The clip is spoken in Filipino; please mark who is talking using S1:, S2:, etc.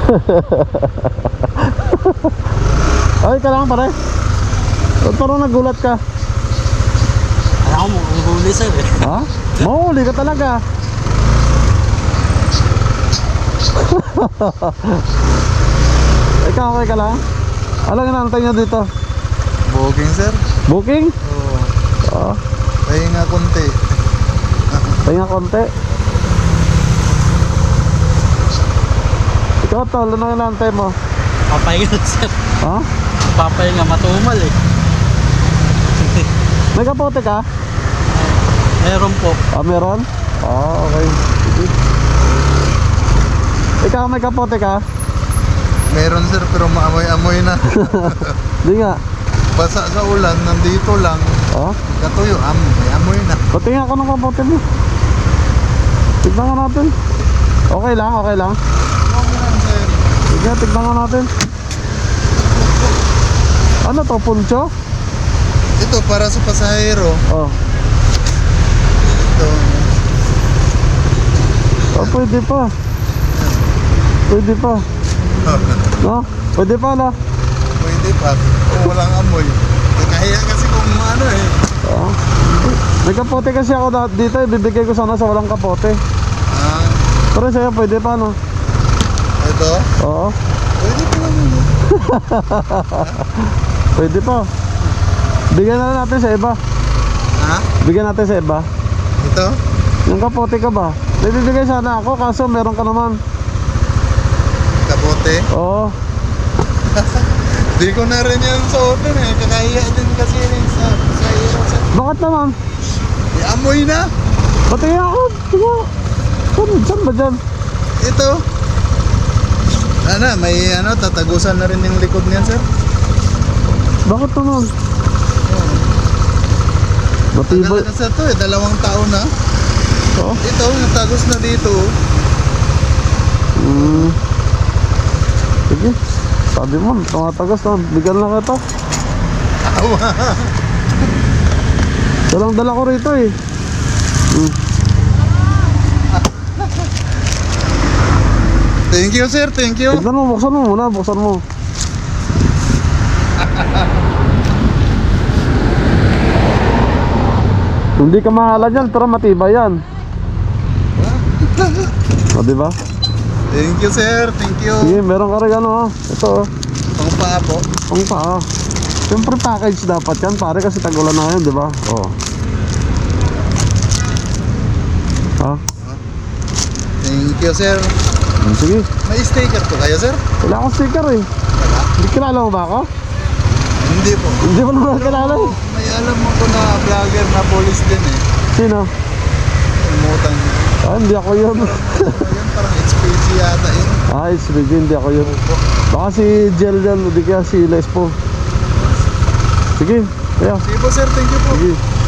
S1: Ay, ka lang pare. Ba't parang nagulat ka?
S2: Alam mo, ang huli sir eh.
S1: Ha? Mahuli ka talaga. Ikaw okay ka lang? Alam nga naantay nyo dito?
S3: Booking sir?
S1: Booking?
S3: Oo.
S1: Oo.
S3: Pahinga konti.
S1: Pahinga konti. Ikaw tol, ano yung naantay mo?
S2: Papahinga sir.
S1: Ha?
S2: Papahinga, matumal eh.
S1: May kapote ka?
S2: Meron po.
S1: Ah, meron? Ah, okay. Sige. Ikaw may kapote ka?
S3: Meron sir pero maamoy-amoy na.
S1: Di nga.
S3: Basa sa ulan, nandito lang.
S1: Oh?
S3: Katuyo, amoy na.
S1: Patingin ako ng kapote mo. Tignan nga natin. Okay lang, okay lang.
S3: Okay lang sir.
S1: Sige, tignan nga natin. Ano to, puncho?
S3: Ito para sa pasahero.
S1: Oh.
S3: Ito.
S1: Oh, pwede pa. Pwede pa. No? Pwede pa, no?
S3: Pwede pa. Kung walang amoy. Kaya kasi kung ano eh.
S1: Oh. May kapote kasi ako dito, ibibigay ko sana sa walang kapote.
S3: Ah,
S1: Pero sa'yo, pwede pa, no?
S3: ito.
S1: Oo.
S3: Pwede pa lang yun.
S1: Pwede pa. Bigyan na lang natin sa iba.
S3: Ha?
S1: Bigyan natin sa iba.
S3: Ito?
S1: Yung kapote ka ba? Bibigay sana ako, kaso meron ka naman.
S3: Kapote?
S1: Oo.
S3: Di ko na rin yan suotin eh. Kakahiya din kasi rin sa pasahero sir.
S1: Bakit naman?
S3: Amoy na.
S1: Pati ako. Diba? Saan ba dyan?
S3: Ito. Ano, may ano, tatagusan na rin yung likod niyan sir.
S1: Bakit naman?
S3: Tagal
S1: Matibay.
S3: na sa to eh, 2 taon na.
S1: Oo.
S3: Ito, natagos na dito.
S1: Sige. Sabi mo, tumatagas na. Bigyan lang kita.
S3: Awa.
S1: Dalang dala ko rito eh.
S3: Thank you sir, thank you.
S1: Tignan mo, buksan mo muna. Buksan mo. Hindi ka mahala dyan, pero matibay yan. O, diba?
S3: Thank you sir, thank you.
S1: Sige, meron ka rin ano ha. Ito oh.
S3: Pang paa po.
S1: Ang paa. Siyempre package dapat yan, pare, kasi tagulan na ngayon, diba? Oo. Ha?
S3: Thank you sir.
S1: Sige.
S3: May sticker po kayo sir?
S1: Wala akong sticker eh.
S3: Wala.
S1: Hindi kilala mo ba ako?
S3: Hindi po.
S1: Hindi mo naman kilala eh.
S3: May alam mo ko na vlogger na police din eh.
S1: Sino?
S3: Umutan niya.
S1: Ah, hindi ako yun.
S3: Ayun, parang HPG yata yun.
S1: Ah, it's big, hindi ako yun. Baka si Jel yan, hindi kaya si Lespo. Sige, kaya.
S3: Sige po sir, thank you po.
S1: Sige.